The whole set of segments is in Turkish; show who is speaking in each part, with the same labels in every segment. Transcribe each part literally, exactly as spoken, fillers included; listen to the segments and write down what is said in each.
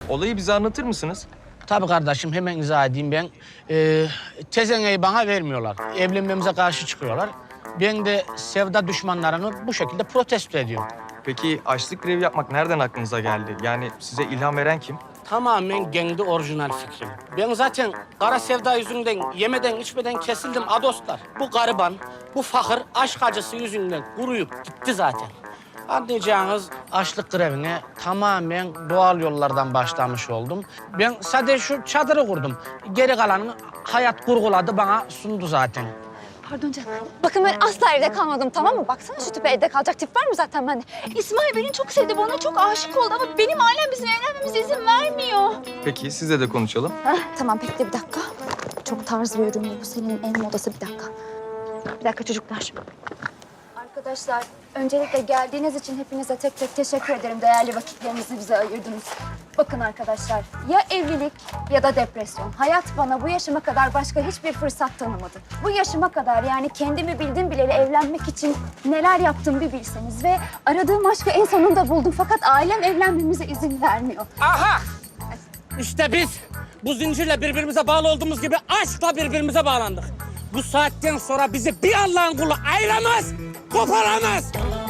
Speaker 1: Olayı bize anlatır mısınız?
Speaker 2: Tabii kardeşim, hemen izah edeyim ben. Ee, tezeneyi bana vermiyorlar. Evlenmemize karşı çıkıyorlar. Ben de sevda düşmanlarını bu şekilde protesto ediyorum.
Speaker 1: Peki açlık grevi yapmak nereden aklınıza geldi? Yani size ilham veren kim?
Speaker 2: Tamamen kendi orijinal fikrim. Ben zaten kara sevda yüzünden yemeden içmeden kesildim adostlar. Bu gariban, bu fakir aşk acısı yüzünden kuruyup gitti zaten. Anlayacağınız açlık grevine tamamen doğal yollardan başlamış oldum. Ben sadece şu çadırı kurdum. Geri kalanını hayat kurguladı, bana sundu zaten.
Speaker 3: Pardon canım. Bakın ben asla evde kalmadım, tamam mı? Baksana şu tipe, evde kalacak tip var mı zaten bende? İsmail beni çok sevdi, bana çok aşık oldu ama benim ailem bizim evlenmemize izin vermiyor.
Speaker 1: Peki sizle de konuşalım.
Speaker 3: Heh, tamam bekle bir dakika. Çok tarz bir ürün bu. Bu senin en modası, bir dakika. Bir dakika çocuklar. Arkadaşlar, öncelikle geldiğiniz için hepinize tek tek teşekkür ederim. Değerli vakitlerinizi bize ayırdınız. Bakın arkadaşlar, ya evlilik ya da depresyon. Hayat bana bu yaşıma kadar başka hiçbir fırsat tanımadı. Bu yaşıma kadar, yani kendimi bildim bileli evlenmek için neler yaptım bir bilseniz. Ve aradığım aşkı en sonunda buldum. Fakat ailem evlenmemize izin vermiyor.
Speaker 2: Aha! İşte biz bu zincirle birbirimize bağlı olduğumuz gibi aşkla birbirimize bağlandık. Bu saatten sonra bizi bir Allah'ın kulu ayıramaz, koparamaz.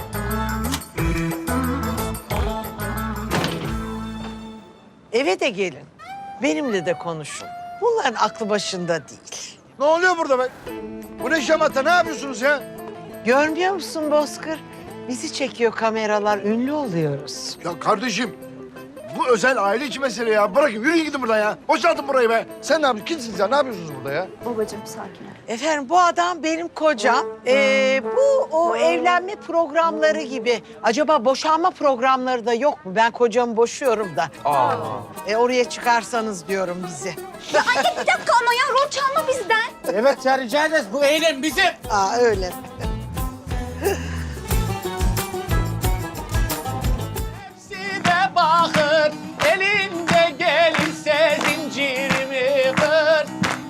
Speaker 4: Eve de gelin. Benimle de konuşun. Bunların aklı başında değil.
Speaker 5: Ne oluyor burada be? Bu ne şamata? Ne yapıyorsunuz ya?
Speaker 4: Görmüyor musun Bozkır? Bizi çekiyor kameralar, ünlü oluyoruz.
Speaker 5: Ya kardeşim, bu özel aile içi mesele ya. Bırakın, yürüyün gidin buradan ya. Boşaltın burayı be. Sen ne yapıyorsun? Kimsiniz ya? Ne yapıyorsunuz burada ya?
Speaker 3: Babacığım sakin ol.
Speaker 4: Efendim bu adam benim kocam. Ee, bu o evlenme programları gibi. Acaba boşanma programları da yok mu? Ben kocamı boşuyorum da.
Speaker 1: Aa.
Speaker 4: E, oraya çıkarsanız diyorum bizi.
Speaker 3: Ya anne bir dakika ama ya, rol çalma bizden.
Speaker 2: Evet ya, rica ederiz. Bu eylem bizim.
Speaker 4: Aa öyle.
Speaker 2: Hepsine bakır, elinde gelirse zincirimi kır.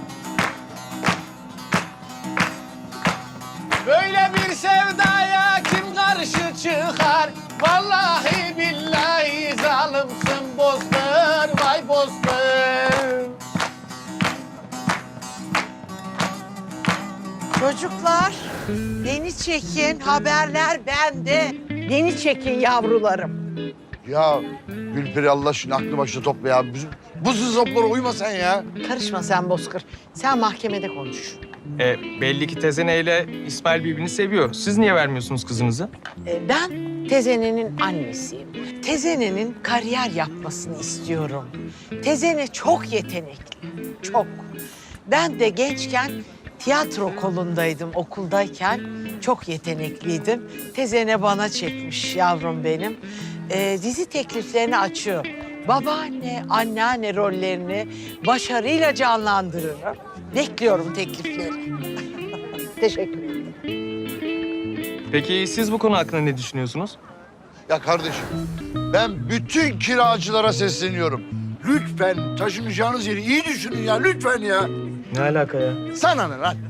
Speaker 2: Böyle bir sevdaya kim karşı çıkar? Vallahi billahi zalimsin Bozkır, vay Bozkır.
Speaker 4: Çocuklar, beni çekin. Haberler bende. Beni çekin yavrularım.
Speaker 5: Ya Gülperi Allah aşkına aklı başına topla ya. Bizim, bu zızoplara uyma sen ya.
Speaker 4: Karışma sen Bozkır. Sen mahkemede konuş.
Speaker 1: E, belli ki Tezene ile İsmail birbirini seviyor. Siz niye vermiyorsunuz kızınızı?
Speaker 4: Ee, ben Tezene'nin annesiyim. Tezene'nin kariyer yapmasını istiyorum. Tezene çok yetenekli, çok. Ben de gençken tiyatro kolundaydım, okuldayken. Çok yetenekliydim. Tezene bana çekmiş yavrum benim. Ee, dizi tekliflerini açıyor. Babaanne, anneanne rollerini başarıyla canlandırırım. Bekliyorum teklifleri. Teşekkür ederim.
Speaker 1: Peki siz bu konu hakkında ne düşünüyorsunuz?
Speaker 5: Ya kardeşim, ben bütün kiracılara sesleniyorum. Lütfen taşınacağınız yeri iyi düşünün ya, lütfen ya.
Speaker 1: Ne alaka ya?
Speaker 5: Sana ne lan?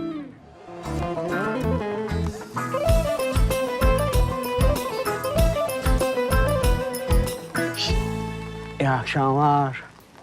Speaker 2: İyi akşamlar.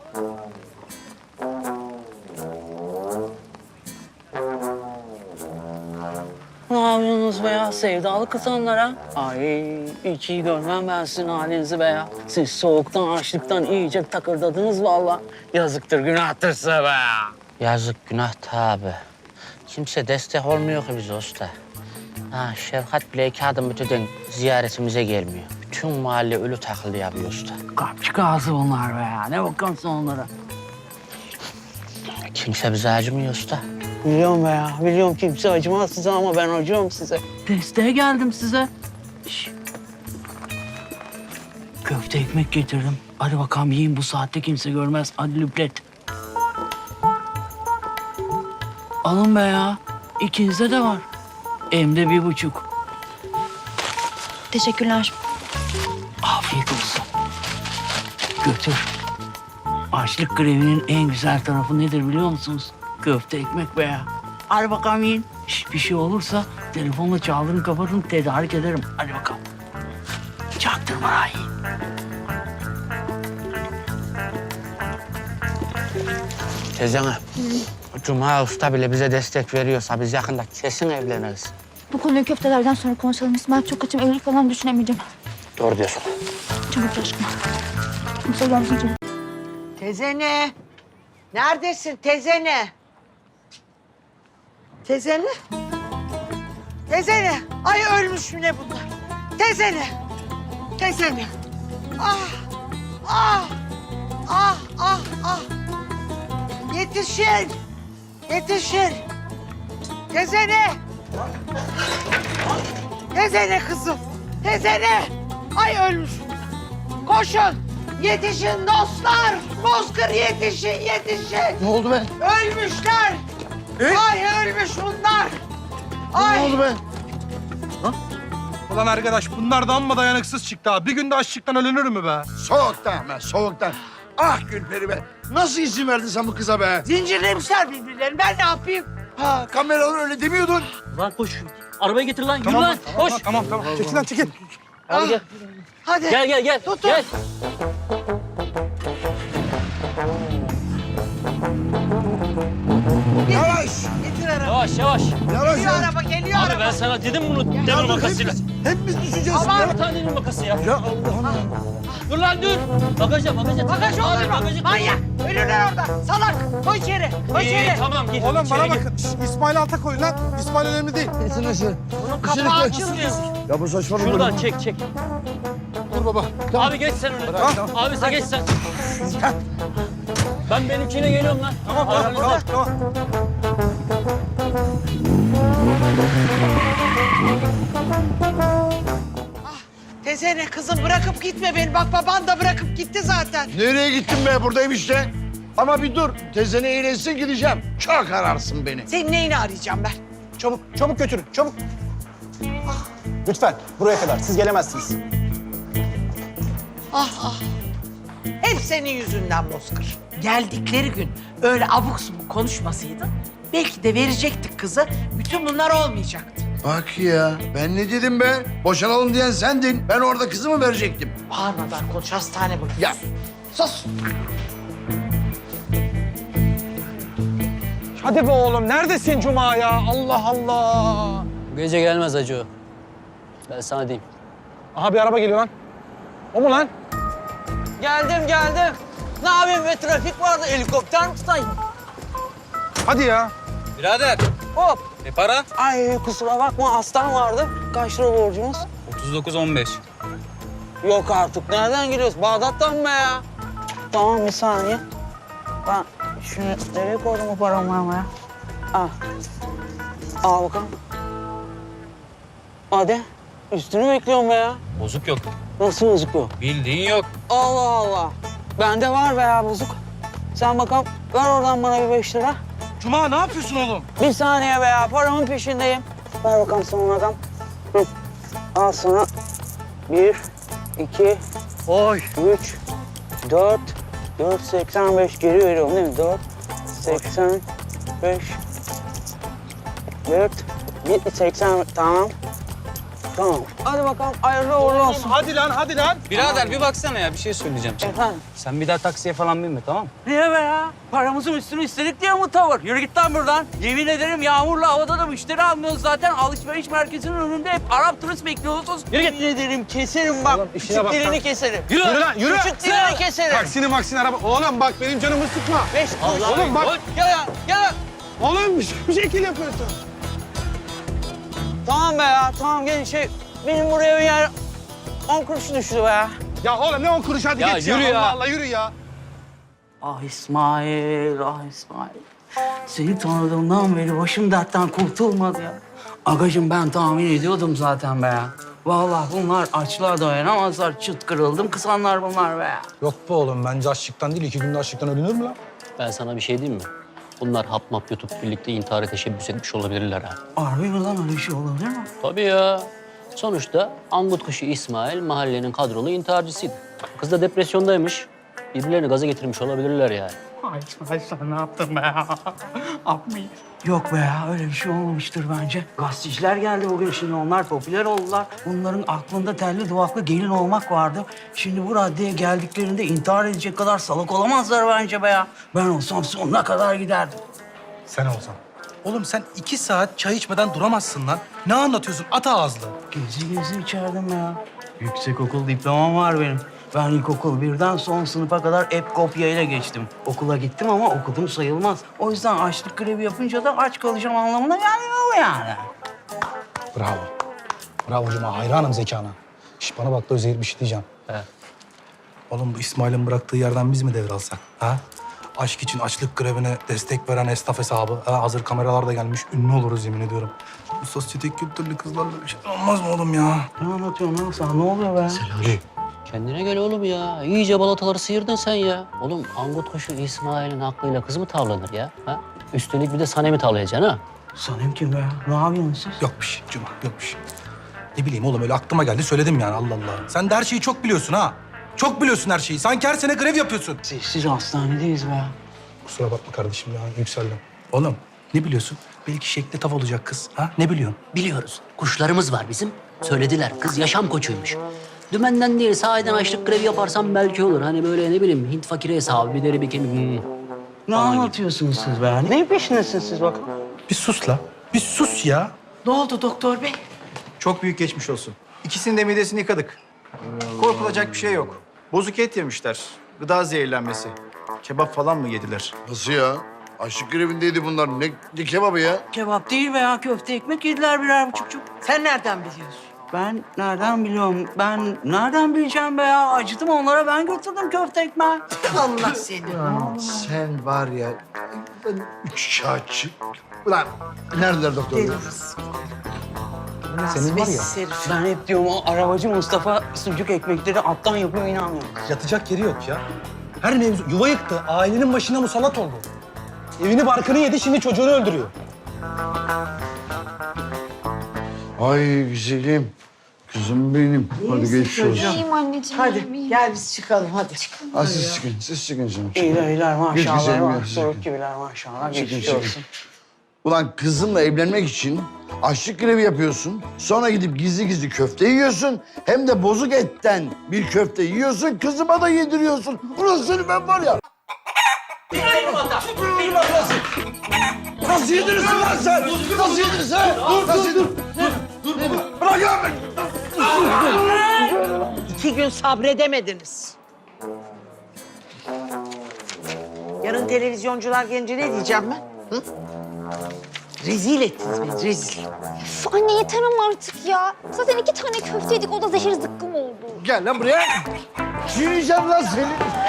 Speaker 6: Ne yapıyorsunuz be ya? Sevdalı kızanlara. Ay hiç iyi görmem ben sizin halinizi be ya. Siz soğuktan, açlıktan iyice takırdadınız vallahi. Yazıktır, günahtır size be ya.
Speaker 2: Yazık, günah tabi. Kimse destek olmuyor ki bize usta. Ha, Şefkat bile iki adım öteden ziyaretimize gelmiyor. Bütün mahalle ölü taklidi yapıyor usta.
Speaker 6: Kapçık ağzı bunlar be ya. Ne bakıyorsun onlara?
Speaker 2: Kimse bize acımıyor usta.
Speaker 6: Biliyorum be ya. Biliyorum kimse acımaz size ama ben acıyorum size. Desteğe geldim size. Şş. Köfte ekmek getirdim. Hadi bakalım yiyin, bu saatte kimse görmez. Hadi lüplet. Alın be ya. İkinizde de var. Hem de bir buçuk.
Speaker 3: Teşekkürler.
Speaker 6: Afiyet olsun. Götür. Açlık grevinin en güzel tarafı nedir biliyor musunuz? Köfte ekmek be ya. Hadi bakalım yiyin. Şş, bir şey olursa telefonla çaldırın kapatın, tedarik ederim. Hadi bakalım. Çaktırma ha, yiyin.
Speaker 2: Teyzene, Cuma Usta bile bize destek veriyorsa biz yakında kesin evleniriz.
Speaker 3: Bu konuyu köftelerden sonra konuşalım. İsmail çok açım. Evlilik falan düşünemeyeceğim.
Speaker 2: Doğru diyorsun.
Speaker 3: Çabuk aşkım. Kimse gelmesin çabuk.
Speaker 4: Tezene. Neredesin tezene? Tezene? Tezene. Ay ölmüş mü ne bunlar? Tezene. Tezene. Ah. Ah. Ah ah ah. Yetişin. Yetişin. Tezene. Tezene kızım. Tezene. Ay ölmüş. Koşun. Yetişin dostlar. Bozkır yetişin, yetişin.
Speaker 5: Ne oldu be?
Speaker 4: Ölmüşler. Ay ölmüş bunlar. Ay.
Speaker 5: Ne oldu be?
Speaker 1: Ulan arkadaş bunlar da amma dayanıksız çıktı ha. Bir günde açlıktan ölünür mü be?
Speaker 5: Soğuktan be, soğuktan. Ah Gülperi be. Nasıl izin verdin sen bu kıza be?
Speaker 4: Zincirlemişler birbirlerini. Ben ne yapayım?
Speaker 5: Ha, kameralar öyle demiyordun.
Speaker 7: Lan koş. Arabayı getir lan. Yürü
Speaker 1: Tamam,
Speaker 7: lan.
Speaker 1: tamam,
Speaker 7: Koş.
Speaker 1: tamam, tamam. Çekil lan, çekil.
Speaker 7: Hadi gel.
Speaker 4: Hadi.
Speaker 7: Gel gel gel.
Speaker 4: Tutun.
Speaker 7: Gel.
Speaker 5: Yavaş,
Speaker 4: Getir araba.
Speaker 7: Yavaş yavaş.
Speaker 5: yavaş.
Speaker 4: Geliyor
Speaker 5: yavaş.
Speaker 4: araba, geliyor
Speaker 7: Abi
Speaker 4: araba.
Speaker 7: ben sana dedim bunu demir
Speaker 5: Ya dur,
Speaker 7: makasıyla.
Speaker 5: hepimiz, hepimiz düşeceğiz.
Speaker 4: Aman.
Speaker 5: Ya.
Speaker 7: Bir tane demir makası ya.
Speaker 5: Ya Allah'ım ya.
Speaker 7: Dur lan dur. Bagaja bagaja.
Speaker 4: Bagaj
Speaker 7: Abi,
Speaker 4: olur mu?
Speaker 7: bagajı-
Speaker 4: Manyak. Ölürler orada. Salak. Koy içeri. Koy
Speaker 7: İyi
Speaker 4: içeri.
Speaker 7: tamam git.
Speaker 1: Oğlum
Speaker 7: İçeri
Speaker 1: bana
Speaker 7: git.
Speaker 1: bakın. Şş, İsmail alta koyun lan. İsmail önemli değil.
Speaker 5: Getir aşağı.
Speaker 4: Bunun kapağı açılmıyor.
Speaker 5: Ya bu saçmalama.
Speaker 7: Şuradan çek çek.
Speaker 1: Dur baba.
Speaker 7: Abi geç sen öne. Abi sen geç sen. Ben benimkine geliyorum lan.
Speaker 1: Tamam, tamam,
Speaker 7: Aranızda.
Speaker 1: tamam, tamam.
Speaker 4: Tezene kızım bırakıp gitme beni. Bak baban da bırakıp gitti zaten.
Speaker 5: Nereye gittin be? Buradayım işte. Ama bir dur. Tezene eğlensin gideceğim. Çok ararsın beni.
Speaker 4: Senin neyini arayacağım ben?
Speaker 8: Çabuk, çabuk götürün, çabuk. Lütfen, buraya kadar. Siz gelemezsiniz.
Speaker 4: Ah ah. Hep senin yüzünden Bozkır. Geldikleri gün öyle abuk subuk konuşmasaydın belki de verecektik kızı. Bütün bunlar olmayacaktı.
Speaker 5: Bak ya. Ben ne dedim be? Boşanalım diyen sendin. Ben orada kızımı verecektim.
Speaker 4: Bağırmadan konuş hastane bakıyorsun.
Speaker 5: Ya sus.
Speaker 1: Hadi be oğlum. Neredesin Cuma ya? Allah Allah.
Speaker 7: Bu gece gelmez acı o. Ben sana diyeyim.
Speaker 1: Aha bir araba geliyor lan. O mu lan?
Speaker 9: Geldim geldim. Ne yapayım be trafik vardı helikopter mi tutayım?
Speaker 1: Hadi ya.
Speaker 9: Birader. Hop. Ne para? Ay kusura bakma hastam vardı. Kaç lira borcumuz?
Speaker 10: otuz dokuz on beş.
Speaker 9: Yok artık nereden geliyoruz? Bağdat'tan mı be ya? Tamam bir saniye. Ben şunu nereye koydum o paramı ama ya? Al. Al bakalım. Hadi. Üstünü bekliyorum be ya.
Speaker 10: Bozuk yok.
Speaker 9: Nasıl bozuk bu?
Speaker 10: Bildiğin yok.
Speaker 9: Allah Allah. Bende var be ya bozuk. Sen bakalım ver oradan bana bir beş lira.
Speaker 1: Cuma ne yapıyorsun oğlum?
Speaker 9: Bir saniye be ya, paramın peşindeyim. Ver bakalım sana adam. Hı. Al sana. Bir, iki,
Speaker 1: Oy.
Speaker 9: üç, dört, dört seksen beş geri veriyorum değil mi? Dört, seksen beş, dört, bir seksen, tamam. Tamam. Hadi bakalım, hayırlı uğurlu olsun.
Speaker 1: Hadi lan, hadi lan.
Speaker 10: Birader bir baksana ya bir şey söyleyeceğim.
Speaker 9: Efendim?
Speaker 10: Sen bir daha taksiye falan binme tamam mı?
Speaker 9: Niye be ya? Paramızın üstünü istedik diye mi tavır? Yürü git lan buradan. Yemin ederim yağmurlu havada da müşteri almıyoruz zaten. Alışveriş merkezinin önünde hep Arap turist bekliyorsunuz. Yürü git. Yemin ederim keserim bak.
Speaker 1: işine bak
Speaker 9: Küçük dilini
Speaker 1: lan.
Speaker 9: keserim.
Speaker 1: Yürü lan, yürü.
Speaker 9: Küçük dilini keserim.
Speaker 1: Taksini maksini araba. Oğlum bak benim canımı sıkma.
Speaker 9: Beş kuruş.
Speaker 1: Oğlum bak.
Speaker 9: Gel ya, gel.
Speaker 1: Oğlum bir, bir şekil yapıyorsun.
Speaker 9: Tamam be ya, tamam gelin şey. Benim buraya bir yer on kuruş düştü be ya.
Speaker 1: Ya oğlum ne on kuruş hadi
Speaker 10: Ya
Speaker 1: geç ya.
Speaker 10: yürü ya.
Speaker 1: Allah Allah yürü ya.
Speaker 9: Ah İsmail, ah İsmail. Seni tanıdığımdan beri başım dertten kurtulmadı ya. Agacım ben tahmin ediyordum zaten be ya. Vallahi bunlar açlığa dayanamazlar. Çıt kırıldım kısanlar bunlar be ya.
Speaker 8: Yok be oğlum, bence açlıktan değil, iki günde açlıktan ölünür mü lan?
Speaker 7: Ben sana bir şey diyeyim mi? Bunlar hap map yutup birlikte intihara teşebbüs etmiş olabilirler ha.
Speaker 9: Harbi mi lan öyle bir şey olabilir mi?
Speaker 7: Tabii ya. Sonuçta angut kuşu İsmail mahallenin kadrolu intiharcısıydı. Kız da depresyondaymış. Birbirlerini gaza getirmiş olabilirler yani.
Speaker 9: Ay İsmail sen ne yaptın be ya? Yapmayın. Yok be ya öyle bir şey olmamıştır bence. Gazeteciler geldi bugün şimdi onlar popüler oldular. Bunların aklında telli duvaklı gelin olmak vardı. Şimdi bu raddeye geldiklerinde intihar edecek kadar salak olamazlar bence be ya. Ben olsam sonuna kadar giderdim.
Speaker 8: Sen olsan. Oğlum sen iki saat çay içmeden duramazsın lan. Ne anlatıyorsun? At ağızlı.
Speaker 9: Gezi gezi içerdim ya. Yüksek okul diplomam var benim. Ben ilkokul birden son sınıfa kadar hep kopyayla geçtim. Okula gittim ama okudum sayılmaz. O yüzden açlık grevi yapınca da aç kalacağım anlamına gelmiyor yani.
Speaker 8: Bravo. Bravo Cuma. Hayranım zekana. Şş, bana bak da Özeyir bir şey diyeceğim.
Speaker 7: He.
Speaker 8: Oğlum bu İsmail'in bıraktığı yerden biz mi devralsak? Ha? Aşk için açlık grevine destek veren esnaf hesabı. Ha, hazır kameralar da gelmiş. Ünlü oluruz yemin ediyorum. Bu sosyetik kültürlü kızlarla bir şey olmaz mı oğlum ya?
Speaker 9: Ne anlatıyorsun lan sen? Ne oluyor be?
Speaker 8: Ali.
Speaker 7: Kendine gel oğlum ya. İyice balataları sıyırdın sen ya. Oğlum angut kuşu İsmail'in aklıyla kız mı tavlanır ya? Ha? Üstelik bir de Sanem'i tavlayacaksın ha?
Speaker 9: Sanem kim be? Ne yapıyorsunuz siz?
Speaker 8: Yok bir şey Cuma, yok bir şey. Ne bileyim oğlum öyle aklıma geldi söyledim yani Allah Allah. Sen de her şeyi çok biliyorsun ha. Çok biliyorsun her şeyi. Sanki her sene grev yapıyorsun.
Speaker 9: Sessiz hastanedeyiz be.
Speaker 8: Kusura bakma kardeşim ya yükseldim. Oğlum ne biliyorsun? Belki şekli tav olacak kız. Ha ne biliyorsun?
Speaker 7: Biliyoruz. Kuşlarımız var bizim. Söylediler. Kız yaşam koçuymuş. Dümenden değil, sahiden açlık grevi yaparsam belki olur. Hani böyle ne bileyim Hint fakiri hesabı, bir deri bir kemik. Hmm.
Speaker 9: Ne anlatıyorsunuz siz be? Ne peşindesiniz siz bakın?
Speaker 8: Bir sus la. Bir sus ya.
Speaker 4: Ne oldu doktor bey?
Speaker 11: Çok büyük geçmiş olsun. İkisinin de midesini yıkadık. Korkulacak bir şey yok. Bozuk et yemişler. Gıda zehirlenmesi. Kebap falan mı yediler?
Speaker 5: Nasıl ya? Açlık grevindeydi bunlar. Ne, ne kebabı ya?
Speaker 9: Kebap değil be ya. Köfte ekmek yediler birer buçukçuk.
Speaker 4: Sen nereden biliyorsun?
Speaker 9: Ben nereden biliyorum? Ben nereden bileceğim be ya? Acıdım onlara. Ben götürdüm köfte ekmeği.
Speaker 4: Allah seni.
Speaker 5: Sen var ya, ben üç kağıtçı. Ulan neredeler doktor bey?
Speaker 8: Senin var ya.
Speaker 4: Münasibetsiz herif.
Speaker 9: Ben hep diyorum o arabacı Mustafa sucuk ekmekleri alttan yapıyor inanmıyorum.
Speaker 8: Yatacak yeri yok ya. Her mevzu yuva yıktı. Ailenin başına musallat oldu. Evini barkını yedi şimdi çocuğunu öldürüyor.
Speaker 5: Ay güzelim. Kızım benim. Hadi geçmiş olsun.
Speaker 3: İyiyim anneciğim.
Speaker 4: Hadi
Speaker 3: iyiyim, iyiyim.
Speaker 4: gel biz çıkalım hadi.
Speaker 5: Ha, siz çıkın, siz çıkın canım.
Speaker 9: İyiler iyiler
Speaker 5: Geç
Speaker 9: maşallah.
Speaker 5: güzelim ya,
Speaker 9: Bak,
Speaker 5: siz
Speaker 9: Doruk
Speaker 5: çıkın.
Speaker 9: gibiler maşallah.
Speaker 5: Çıkın,
Speaker 9: Geçmiş
Speaker 5: çıkın.
Speaker 9: olsun.
Speaker 5: Ulan kızımla evlenmek için açlık grevi yapıyorsun. Sonra gidip gizli gizli köfte yiyorsun. Hem de bozuk etten bir köfte yiyorsun. Kızıma da yediriyorsun. Ulan seni ben var ya. Nasıl yedirirsin lan sen? Nasıl yedirirsin? Dur, Nasıl dur, dur, dur. Bırak lan beni.
Speaker 4: İki gün sabredemediniz. Yarın televizyoncular gelince ne diyeceğim ben? Hı? Rezil ettiniz beni, rezil.
Speaker 3: Üf, anne yeter ama artık ya. Zaten iki tane köfte yedik, o da zehir zıkkım oldu.
Speaker 5: Gel lan buraya. Yiyeceğim lan seni.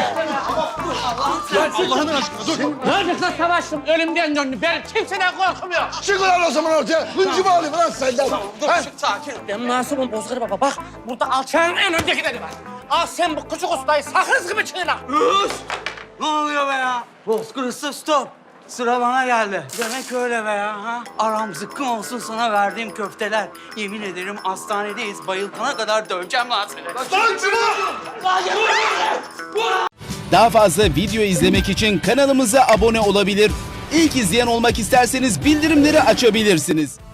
Speaker 5: Allah'ın aşkına dur.
Speaker 2: Neredeyse savaştım, ölümden döndüm. Ben kimseden korkum yok.
Speaker 5: Çık ulan o zaman ortaya. Hıncımı alayım lan senden.
Speaker 2: Dur,
Speaker 5: Ha?
Speaker 2: sakin. Ben masumum Bozkır Baba. Bak, burada alçağın en öndekileri var. Al sen bu küçük ustayı sakız gibi çiğne.
Speaker 9: Ne oluyor be ya? Bozkır Usta stop. Sıra bana geldi. Demek öyle be ya. Ha? Aram zıkkım olsun sana verdiğim köfteler. Yemin ederim hastanedeyiz. Bayıltana kadar döveceğim lan seni.
Speaker 12: Daha fazla video izlemek için kanalımıza abone olabilir. İlk izleyen olmak isterseniz bildirimleri açabilirsiniz.